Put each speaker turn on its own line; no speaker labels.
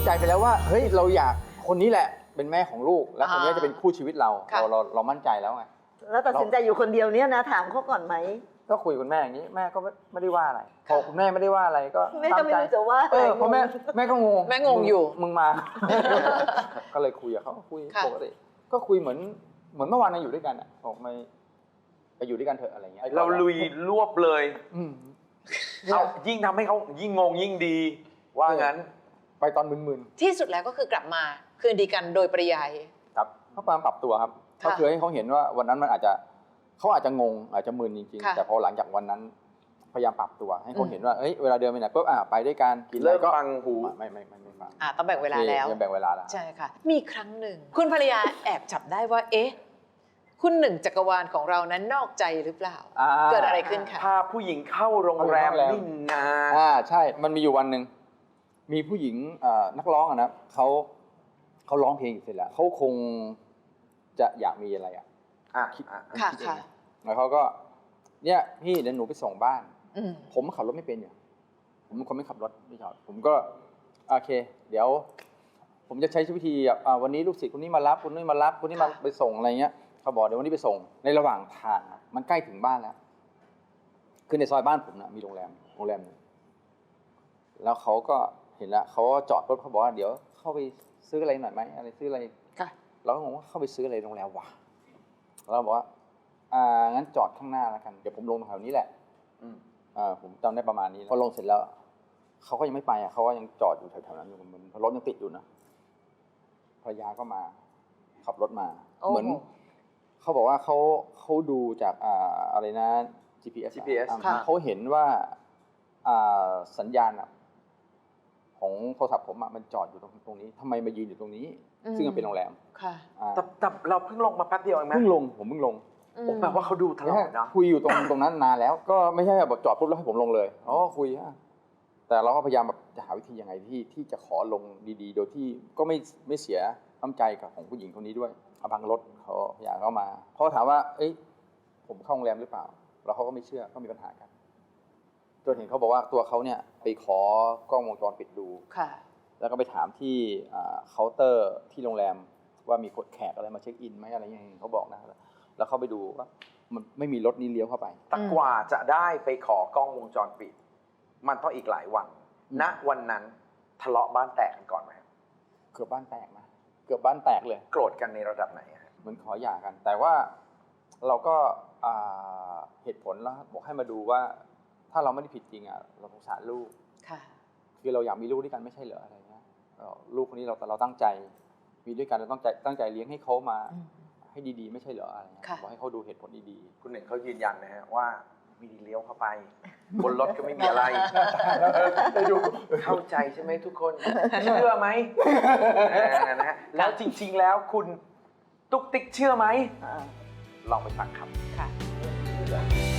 ใจไปแล้วว่าเฮ้ยเราอยากคนนี้แหละเป็นแม่ของลูกแล้วคนนี้จะเป็นคู่ชีวิตเรามั่นใจแล้วไง
แล้วตัดสินใจอยู่คนเดียวเนี่ยนะถามเขาก่อนไหม
ก็คุยกับคุณแม่อย่างนี้แม่ก็ไม่ได้ว่าอะไรพอคุณแม่ไม่ได้ว่าอะไรก็
แม่ก็ไม่รู้จะว่าอะไร
เพราะแม่ก็งง
แม่งงอยู่
มึงมา ก็เลยคุยกับเขาคุยปกติก็คุยเหมือนเมื่อวานเราอยู่ด้วยกันอ่ะบอกไปอยู่ด้วยกันเถอะอะไรเงี้ย
เราลุยรวบเลยเอายิ่งทำให้เขายิ่งงงยิ่งดีว่างั้น
ไปตอนมึนๆ
ที่สุดแล้วก็คือกลับมาคืนดีกันโดยปริยาย
ครับเขาพยายามปรับตัวครับก็คือให้เขาเห็นว่าวันนั้นมันเขาอาจจะงงอาจจะมึนจริงๆแต่พอหลังจากวันนั้นพยายามปรับตัวให้เขาเห็นว่าเวลาเดินไปไหนปุ๊บไปด้วยกันกินอะไรก็
ฟังหู
ไม่ฟัง
ต้องแบ่งเวลาแล้ว
แบ่งเวลาแล้ว
ใช่ค่ะมีครั้งหนึ่งคุณภรรยาแอบจับได้ว่าคุณหนึ่งจักรวาลของเรานั้นนอกใจหรือเปล่าเกิดอะไรขึ้นคะ
พาผู้หญิงเข้าโรงแรมนี่นา
ใช่มันมีอยู่วันหนึ่งมีผู้หญิงนักร้องนะเขาร้องเพลงอยู่เสร็จแล้วเขาคงจะอยากมีอะไรคิด
ค่ะ
แล้วเขาก็เนี่ยพี่เดี๋ยวหนูไปส่งบ้านผมขับรถไม่เป็นอยู่ผมเป็นคนไม่ขับรถไม่ชอบผมก็โอเคเดี๋ยวผมจะใช้วิธีวันนี้ลูกศิษย์คนนี้มารับคนนี้มารับคนนี้มาไปส่งอะไรเงี้ยเขาบอกเดี๋ยววันนี้ไปส่งในระหว่างทางมันใกล้ถึงบ้านแล้วคือในซอยบ้านผมนะมีโรงแรมนึงแล้วเขาก็เห็นแล้วเขาจอดรถเขาบอกว่าเดี๋ยวเข้าไปซื้ออะไรหน่อยไหมอะไรซื้ออะไรเราก็งงว่าเข้าไปซื้ออะไรโรงแรมวะเราบอกว่างั้นจอดข้างหน้าแล้วกันเดี๋ยวผมลงแถวนี้แหละผมจำได้ประมาณนี้พอลงเสร็จแล้วเขาก็ยังไม่ไปเขาก็ยังจอดอยู่แถวๆนั้นอยู่มันรถยังติดอยู่นะภรรยาก็มาขับรถมาเหมือนเขาบอกว่าเขาดูจากอะไรนะ GPS เขาเห็นว่าสัญญาณของโทรศัพท์ผมมันจอดอยู่ตรงนี้ทำไมมายืนอยู่ตรงนี้ซึ่งมันเป็นโรงแรม
แต่เราเพิ่งลงมาแป๊บเดียวเองไหม
ผมเพิ่งลง
แปลว่าเขาดูตลอดนะ
คุยอยู่ตรงนั้นนานแล้วก็ไม่ใช่แบบจอดปุ๊บแล้วให้ผมลงเลยคุยแต่เราก็พยายามแบบจะหาวิธียังไงที่จะขอลงดีๆโดยที่ก็ไม่เสียน้ำใจกับของผู้หญิงคนนี้ด้วยบางรถเขาพยายามเข้ามาเขาถามว่าผมเข้าโรงแรมหรือเปล่าแล้วเขาก็ไม่เชื่อก็มีปัญหากันจนเห็นเขาบอกว่าตัวเขาเนี่ยไปขอกล้องวงจรปิดดูแล้วก็ไปถามที่เคาน์เตอร์ที่โรงแรมว่ามีคนแขกอะไรมาเช็คอินไหมอะไรอย่างเงี้ยเขาบอกนะแล้วเขาไปดูว่ามันไม่มีรถนี้เลี้ยวเข้าไป
แต่กว่าจะได้ไปขอกล้องวงจรปิดมันต้องอีกหลายวันณวันนั้นทะเลาะบ้านแตกกันก่อนไหม
เกือบบ้านแตกนะเกือบบ้านแตกเลย
โกรธกันในระดับไหน
เหมือนขอหย่ากันแต่ว่าเราก็เหตุผลแล้วบอกให้มาดูว่าถ้าเราไม่ได้ผิดจริงเราสงสารลูกคือเราอยากมีลูกด้วยกันไม่ใช่เหรออะไรเงี้ยลูกคนนี้เราตั้งใจมีด้วยกันเราตั้งใจเลี้ยงให้เขามาให้ดีๆไม่ใช่เหรออะไรบอกให้เขาดูเหตุผลดี
ๆคุณหนึ่งเขายืนยันนะฮะว่ามีเลี้ยวเข้าไปบนรถก็ไม่มีอะไรเข้าใจใช่ไหมทุกคนเชื่อไหมนะฮะแล้วจริงๆแล้วคุณตุ๊กติ๊กเชื่อไหมลองไปฟังครับ